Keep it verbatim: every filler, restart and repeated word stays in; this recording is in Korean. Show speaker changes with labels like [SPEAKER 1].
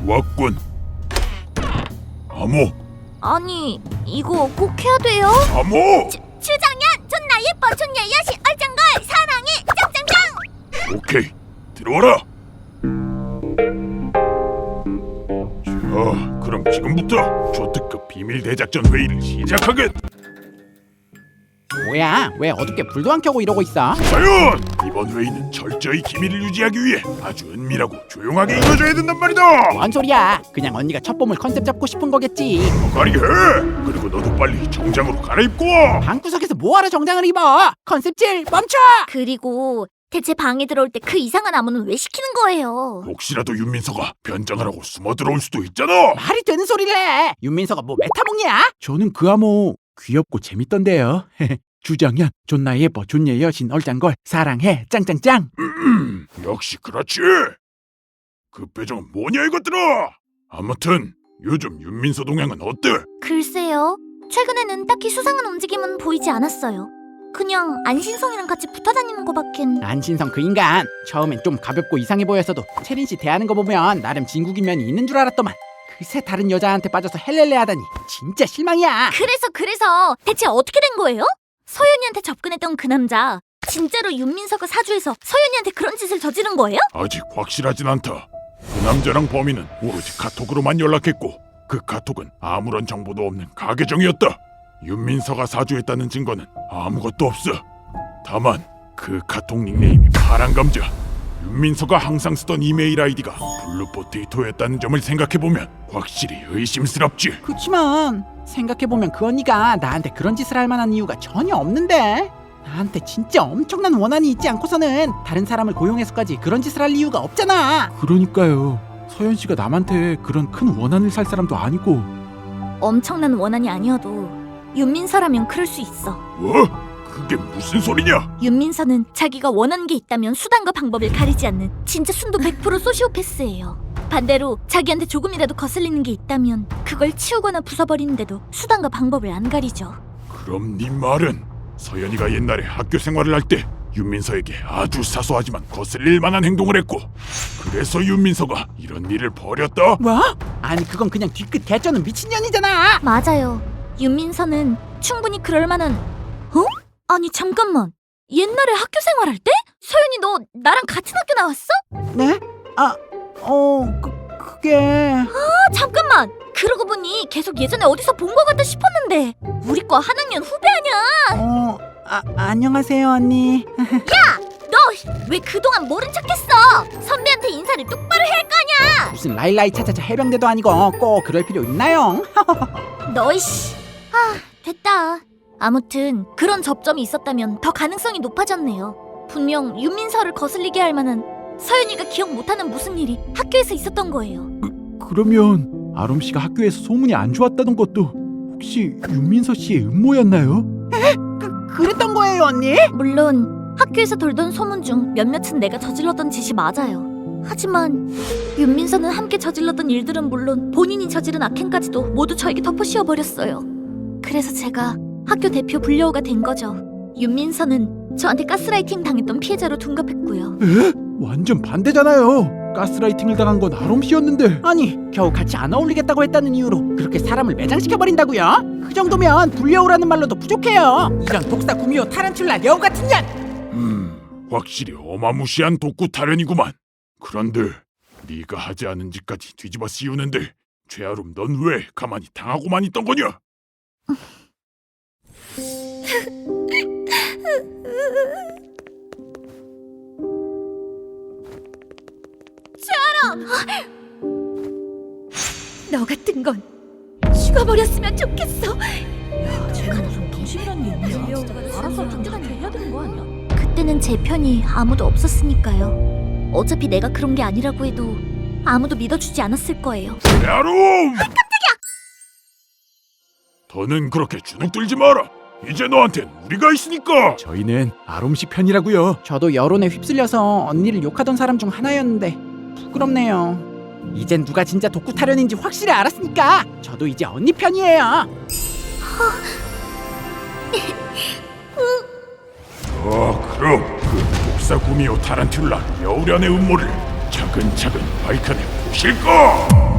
[SPEAKER 1] 좋았군. 암호.
[SPEAKER 2] 아니, 이거 꼭 해야 돼요?
[SPEAKER 1] 암호.
[SPEAKER 2] 추장년, 존나 예뻐, 존예 여신, 얼짱걸, 사랑해, 짱짱짱!
[SPEAKER 1] 오케이, 들어와라. 자, 그럼 지금부터 초특급 비밀 대작전 회의를 시작하겠.
[SPEAKER 3] 뭐야? 왜 어둡게 불도 안 켜고 이러고 있어?
[SPEAKER 1] 과연 이번 회의는 철저히 기밀을 유지하기 위해 아주 은밀하고 조용하게 이루어져야 된단 말이다.
[SPEAKER 3] 뭔 소리야? 그냥 언니가 첫 봄을 컨셉 잡고 싶은 거겠지.
[SPEAKER 1] 거리 해. 그리고 너도 빨리 정장으로 갈아입고 와.
[SPEAKER 3] 방구석에서 뭐하러 정장을 입어? 컨셉질 멈춰!
[SPEAKER 2] 그리고 대체 방에 들어올 때 그 이상한 암호는 왜 시키는 거예요?
[SPEAKER 1] 혹시라도 윤민서가 변장을 하고 숨어 들어올 수도 있잖아.
[SPEAKER 3] 말이 되는 소리를 해. 윤민서가 뭐 메타몽이야? 저는 그 암호 귀엽고 재밌던데요. 주정연, 존나 예뻐, 존예 여신, 얼짱걸, 사랑해, 짱짱짱.
[SPEAKER 1] 음, 역시 그렇지. 그 표정은 뭐냐 이것들아. 아무튼 요즘 윤민서 동향은 어때?
[SPEAKER 2] 글쎄요, 최근에는 딱히 수상한 움직임은 보이지 않았어요. 그냥 안신성이랑 같이 붙어다니는 거밖엔.
[SPEAKER 3] 안신성 그 인간 처음엔 좀 가볍고 이상해 보였어도 채린 씨 대하는 거 보면 나름 진국인 면이 있는 줄 알았더만 그새 다른 여자한테 빠져서 헬렐레 하다니 진짜 실망이야.
[SPEAKER 2] 그래서 그래서 대체 어떻게 된 거예요? 서연이한테 접근했던 그 남자 진짜로 윤민서가 사주해서 서연이한테 그런 짓을 저지른 거예요?
[SPEAKER 1] 아직 확실하진 않다. 그 남자랑 범인은 오로지 카톡으로만 연락했고 그 카톡은 아무런 정보도 없는 가계정이었다. 윤민서가 사주했다는 증거는 아무것도 없어. 다만 그 카톡 닉네임이 파란감자, 윤민서가 항상 쓰던 이메일 아이디가 블루포테이토였다는 점을 생각해보면 확실히 의심스럽지.
[SPEAKER 3] 그치만 생각해보면 그 언니가 나한테 그런 짓을 할 만한 이유가 전혀 없는데. 나한테 진짜 엄청난 원한이 있지 않고서는 다른 사람을 고용해서까지 그런 짓을 할 이유가 없잖아.
[SPEAKER 4] 그러니까요. 서연 씨가 남한테 그런 큰 원한을 살 사람도 아니고.
[SPEAKER 2] 엄청난 원한이 아니어도 윤민서라면 그럴 수 있어.
[SPEAKER 1] 뭐? 그게 무슨 소리냐?
[SPEAKER 2] 윤민서는 자기가 원하는 게 있다면 수단과 방법을 가리지 않는 진짜 순도 백 퍼센트 소시오패스예요. 반대로 자기한테 조금이라도 거슬리는 게 있다면 그걸 치우거나 부숴버리는데도 수단과 방법을 안 가리죠.
[SPEAKER 1] 그럼 네 말은 서연이가 옛날에 학교 생활을 할 때 윤민서에게 아주 사소하지만 거슬릴 만한 행동을 했고 그래서 윤민서가 이런 일을 벌였다?
[SPEAKER 3] 뭐? 아니 그건 그냥 뒤끝 개쩌는 미친년이잖아.
[SPEAKER 2] 맞아요. 윤민서는 충분히 그럴 만한. 어? 아니 잠깐만. 옛날에 학교 생활할 때? 서연이 너 나랑 같은 학교 나왔어?
[SPEAKER 3] 네? 아, 어, 그, 그게...
[SPEAKER 2] 아 잠깐만. 그러고 보니 계속 예전에 어디서 본 것 같다 싶었는데 우리 과 한 학년 후배 아니야?
[SPEAKER 3] 어, 아, 안녕하세요 언니.
[SPEAKER 2] 너 왜 그동안 모른 척했어? 선배한테 인사를 똑바로 해야 할 거 아니야?
[SPEAKER 3] 무슨 라일라이 차차차 해병대도 아니고 꼭 그럴 필요 있나요?
[SPEAKER 2] 너이씨. 아 됐다. 아무튼 그런 접점이 있었다면 더 가능성이 높아졌네요. 분명 윤민서를 거슬리게 할 만한 서연이가 기억 못하는 무슨 일이 학교에서 있었던 거예요.
[SPEAKER 4] 그러면 아롬 씨가 학교에서 소문이 안 좋았다던 것도 혹시 윤민서 씨의 음모였나요?
[SPEAKER 3] 그, 그랬던 거예요 언니?
[SPEAKER 2] 물론 학교에서 돌던 소문 중 몇몇은 내가 저질렀던 짓이 맞아요. 하지만 윤민서는 함께 저질렀던 일들은 물론 본인이 저지른 악행까지도 모두 저에게 덮어씌워버렸어요. 그래서 제가 학교 대표 불려오가 된 거죠. 윤민서는 저한테 가스라이팅 당했던 피해자로 둔갑했고요.
[SPEAKER 4] 에? 완전 반대잖아요. 가스라이팅을 당한 건 아롬 씨였는데.
[SPEAKER 3] 아니 겨우 같이 안 어울리겠다고 했다는 이유로 그렇게 사람을 매장시켜버린다고요? 그 정도면 불려오라는 말로도 부족해요. 이런 독사 구미호 타란툴라 여우 같은 년!
[SPEAKER 1] 음, 확실히 어마무시한 독구 타령이구만. 그런데 네가 하지 않은 짓까지 뒤집어 씌우는데 최아름 넌 왜 가만히 당하고만 있던 거냐?
[SPEAKER 2] 너 같은 건 죽어버렸으면 좋겠어. 야, 쟤는 무슨 동심이라는 게 있냐? 알아서 당장한테 해야 되는 거 아니야? 그때는 제 편이 아무도 없었으니까요. 어차피 내가 그런 게 아니라고 해도 아무도 믿어주지 않았을 거예요.
[SPEAKER 1] 최아름! 깜짝이야! 더는 그렇게 주눅 들지 마라. 이제 너한텐 우리가 있으니까.
[SPEAKER 4] 저희는 아롬 씨 편이라고요.
[SPEAKER 3] 저도 여론에 휩쓸려서 언니를 욕하던 사람 중 하나였는데 부끄럽네요. 이젠 누가 진짜 독구 타령인지 확실히 알았으니까 저도 이제 언니 편이에요.
[SPEAKER 1] 어, 그럼 그 독사 구미호 타란툴라 여우련의 음모를 차근차근 밝혀내 보실까?